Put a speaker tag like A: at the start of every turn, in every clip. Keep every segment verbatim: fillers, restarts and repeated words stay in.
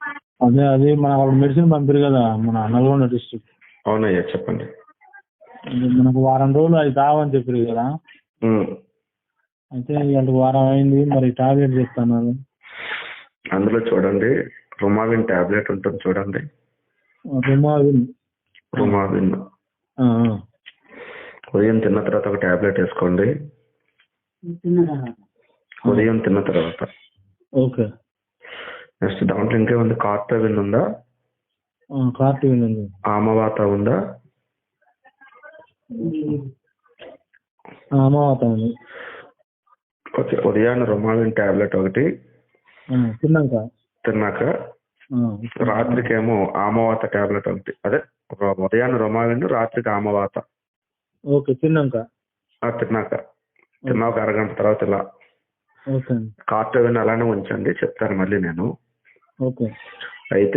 A: అదే అది మన అప్పుడు మెడిసిన్ పంపారు కదా మన నల్గొండ డిస్ట్రిక్ట్.
B: అవునయ్యా చెప్పండి.
A: మనకు వారం రోజులు అది తావని చెప్పారు కదా.
B: ఉమ్.
A: అయితే ఇవాళ వారం అయింది, మరి టాబ్లెట్ చెప్తాను.
B: అందులో చూడండి రుమావిన్ టాబ్లెట్ ఉంటుంది చూడండి.
A: రుమావిన్
B: రుమావిన్
A: ఆ,
B: ఉదయం తిన్న తర్వాత ఒక టాబ్లెట్ వేసుకోండి. ఉదయం తిన్న తర్వాత.
A: ఓకే.
B: నెక్స్ట్ దాంట్లో ఇంకేముంది? కార్టవిన్ ఉందా?
A: ఆ, కార్టివిన్ ఉంది.
B: ఆమవాత ఉందా?
A: ఆ, అమావాత ఉంది.
B: ఓకే. ఉదయాన్నే రుమావిన్ టాబ్లెట్ ఒకటి
A: ఆ, తిన్నాక
B: తిన్నాక
A: ఆ,
B: రాత్రికేమో ఆమవాత టాబ్లెట్ ఒకటి. అదే ఒక ఉదయాన్నే రుమావిన్, రాత్రికి ఆమవాత.
A: ఓకే. తిన్నాక
B: ఆ, తిన్నాక తిన్నా ఒక అరగంట తర్వాత ఇలా
A: ఓకే అండి.
B: కార్టవిన్ అలానే ఉంచండి, చెప్తాను మళ్ళీ నేను.
A: ఓకే.
B: అయితే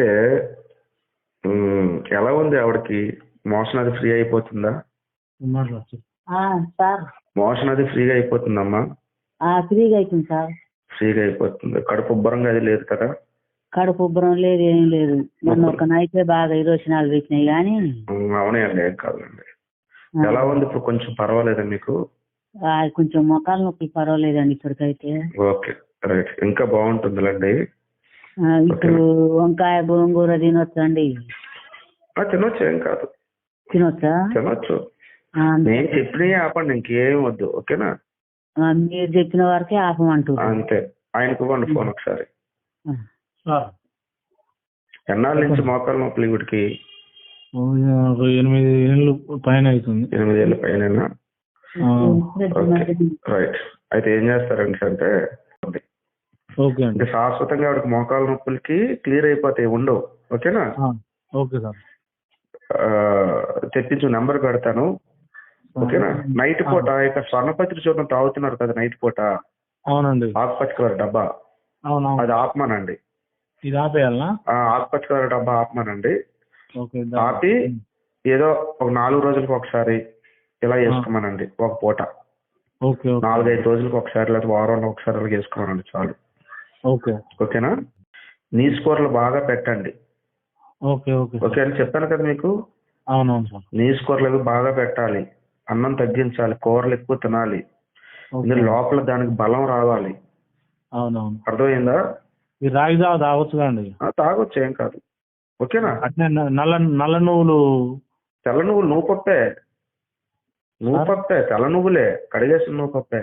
B: ఉమ్, ఎలా ఉంది ఆవిడకి? మోషన్ అది ఫ్రీ అయిపోతుందా?
A: మాట్లాడు.
C: సార్
B: మోషన్ అది ఫ్రీగా అయిపోతుందమ్మా?
C: ఫ్రీగా అవుతుంది సార్.
B: ఫ్రీగా అయిపోతుంది. కడుపు ఉబ్బరంగా అది లేదు కదా?
C: కడుపు ఉబ్బరం లేదు, ఏం లేదు. మొన్న ఒక నైతే బాగా ఇరోచనాలు పెట్టినాయి కానీ.
B: ఉమ్, అవునాయండి, ఏం కాదండి. ఎలా ఉంది ఇప్పుడు? కొంచెం పర్వాలేదా మీకు?
C: ఆ, కొంచెం మొక్కలు నొప్పి పర్వాలేదండి ఇప్పటికైతే.
B: ఓకే రైట్, ఇంకా బాగుంటుందిలేండి.
C: ఆ, ఇప్పుడు వంకాయ గోంగూర తినొచ్చండి?
B: ఆ, తినొచ్చు, ఏం కాదు.
C: తినొచ్చా?
B: తినొచ్చు.
C: ఆ,
B: నేను చెప్పినవి ఆపండి, ఇంకేం వద్దు. ఓకేనా?
C: ఆ, మీరు చెప్పిన వరకే ఆపమంటారు.
B: అంతే. ఆయనకు ఇవ్వండి ఫోన్ ఒకసారి.
A: సార్
B: ఎన్నాళ్ళ నుంచి మోకాలు నొప్పులు వీటికి?
A: ఒక ఎనిమిది ఏళ్ళు పైన అవుతుంది.
B: ఎనిమిది ఏళ్ళ పైన. Okay right. అయితే ఏం చేస్తారంటే అంటే
A: ఓకే అండి.
B: అంటే శాశ్వతంగా ఆవిడకి మోకాలు నొప్పులకి క్లియర్ అయిపోతాయి, ఉండవు. ఓకేనా?
A: Okay sir.
B: ఆ, తెప్పించు, నెంబర్ పెడతాను. ఓకేనా? నైట్ పూట ఇక స్వర్ణపత్రి చూడడం తాగుతున్నారు కదా నైట్ పూట.
A: అవునండి.
B: ఆకుపచ్చ కలర్ డబ్బా,
A: అవునవును.
B: అది ఆపమానండి.
A: ఇది ఆపేయాలనా?
B: ఆకుపచ్చ కలర్ డబ్బా ఆపమానండి.
A: ఓకే.
B: ఆపి ఏదో ఒక నాలుగు రోజులకు ఒకసారి ఇలా వేసుకోమనండి ఒక పూట.
A: ఓకే.
B: నాలుగైదు రోజులకు ఒకసారి లేదా వారంలో ఒకసారి అలా వేసుకోమనండి చాలు.
A: ఓకే.
B: ఓకేనా? నీసు కూరలు బాగా పెట్టండి.
A: ఓకే. ఓకే.
B: ఓకే అని చెప్పాను కదా మీకు.
A: అవునవును సార్.
B: నీసు కూరలు అవి బాగా పెట్టాలి, అన్నం తగ్గించాలి, కూరలు ఎక్కువ తినాలి. ఇందులో లోపల దానికి బలం రావాలి.
A: అవునవును.
B: అర్థమైందా?
A: ఈ రాగి జావ తాగొచ్చు అండి?
B: తాగొచ్చు, ఏం కాదు. ఓకేనా?
A: అట్నే నల్ల నల్ల నువ్వులు.
B: తెల్ల నువ్వులు నువ్వు పప్పే, నువ్వు పప్పే, తెల్ల నువ్వులే, కడిగేసిన నువ్వు పప్పే.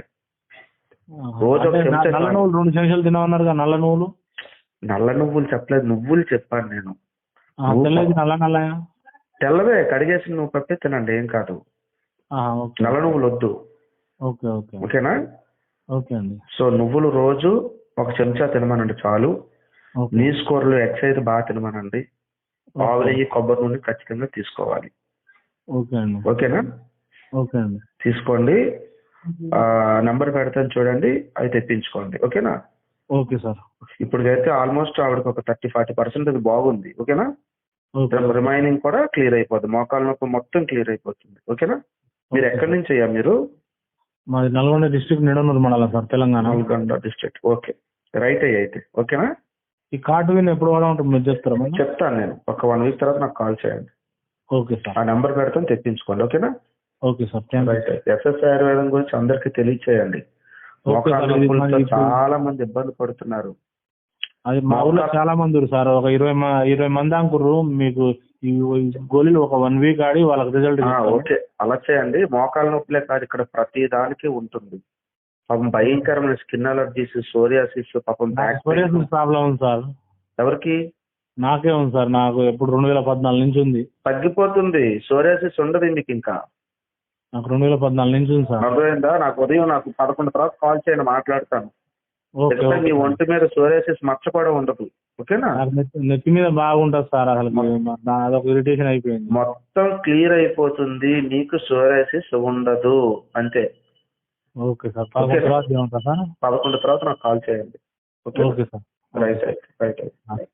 B: రోజు ఒక చెంచా.
A: నల్ల నువ్వులు రెండు చెంచాలు తినమన్నారు కదా. నల్ల నువ్వులు
B: నల్ల నువ్వులు చెప్పలేదు, నువ్వులు చెప్పాను నేను.
A: నల్ల నల్ల
B: తెల్లవే, కడిగేసిన నువ్వు పప్పే తినండి, ఏం కాదు. నల్ల నువ్వులు వద్దు.
A: ఓకే. ఓకే.
B: ఓకేనా?
A: ఓకే అండి.
B: సో నువ్వులు రోజు ఒక చెంచా తినమనండి చాలు. నీసు కూరలు ఎగ్స్ అయితే బాగా తినమనండి. ఆవు నెయ్యి, కొబ్బరి నూనె ఖచ్చితంగా తీసుకోవాలి.
A: ఓకే అండి.
B: ఓకేనా?
A: ఓకే అండి.
B: తీసుకోండి. నెంబర్ పెడతాను చూడండి, అవి తెప్పించుకోండి. ఓకేనా?
A: Okay sir.
B: ఇప్పటికైతే ఆల్మోస్ట్ ఆవిడకి ఒక థర్టీ ఫార్టీ పర్సెంట్ అది బాగుంది. ఓకేనా? రిమైనింగ్ కూడా క్లియర్ అయిపోద్ది, మోకాలు నొప్పి మొత్తం క్లియర్ అయిపోతుంది. ఓకేనా? మీరు ఎక్కడి నుంచి అయ్యా మీరు?
A: మాది నల్గొండ డిస్ట్రిక్ట్, నిడమూరు మండలం sir, Telangana.
B: Nalgonda district. Okay right అయ్యి అయితే. ఓకేనా?
A: ఈ కార్టువిన్ ఎప్పుడు వాడా ఉంటుంది మీరు చెప్తారా?
B: చెప్తాను నేను, ఒక వన్ వీక్ తర్వాత నాకు కాల్ చేయండి.
A: Okay sir.
B: ఆ నెంబర్ పెడతాను, తెప్పించుకోండి. ఓకేనా?
A: Okay sir.
B: రైట్. ఎస్ఎస్ ఆయుర్వేదం గురించి అందరికి తెలియచేయండి. మోకాలు నొప్పులతో చాలా మంది ఇబ్బంది పడుతున్నారు.
A: అది మా ఊళ్ళో చాలా మంది సార్, ఒక ఇరవై ఇరవై మంది అనుకుర్రు. మీకు ఈ గోళీలు ఒక వన్ వీక్ ఆడి వాళ్ళకి రిజల్ట్.
B: ఓకే, అలా చేయండి. మోకాలు నొప్పులే కాదు, ఇక్కడ ప్రతి దానికి ఉంటుంది. పాపం భయంకరమైన స్కిన్ అలర్జీస్, సోరియాసిస్, పాపం బ్యాక్
A: సోరియాసిస్ ప్రాబ్లం ఉంది సార్.
B: ఎవరికి?
A: నాకే ఉంది సార్. నాకు ఎప్పుడు రెండు వేల పద్నాలుగు నుంచి ఉంది. తగ్గిపోతుంది,
B: సోరియాసిస్ ఉండదు మీకు ఇంకా.
A: నాకు రెండు వేల పద్నాలుగు నుంచి ఉంది సార్.
B: అర్థమైందా? నాకు ఉదయం నాకు పదకొండు తర్వాత కాల్ చేయండి, మాట్లాడతాను. మీ ఒంటి మీద సోరియాసిస్ మచ్చ కూడా ఉండదు. ఓకేనా?
A: నెత్తి మీద బాగుంటుంది సార్, అసలు అదొక ఇరిటేషన్ అయిపోయింది.
B: మొత్తం క్లియర్ అయిపోతుంది, నీకు సోరియాసిస్ ఉండదు అంతే.
A: Okay sir. పదకొండు తర్వాత ఏమంటారు సార్?
B: పదకొండు తర్వాత నాకు కాల్ చేయండి.
A: Okay sir.
B: Right right right.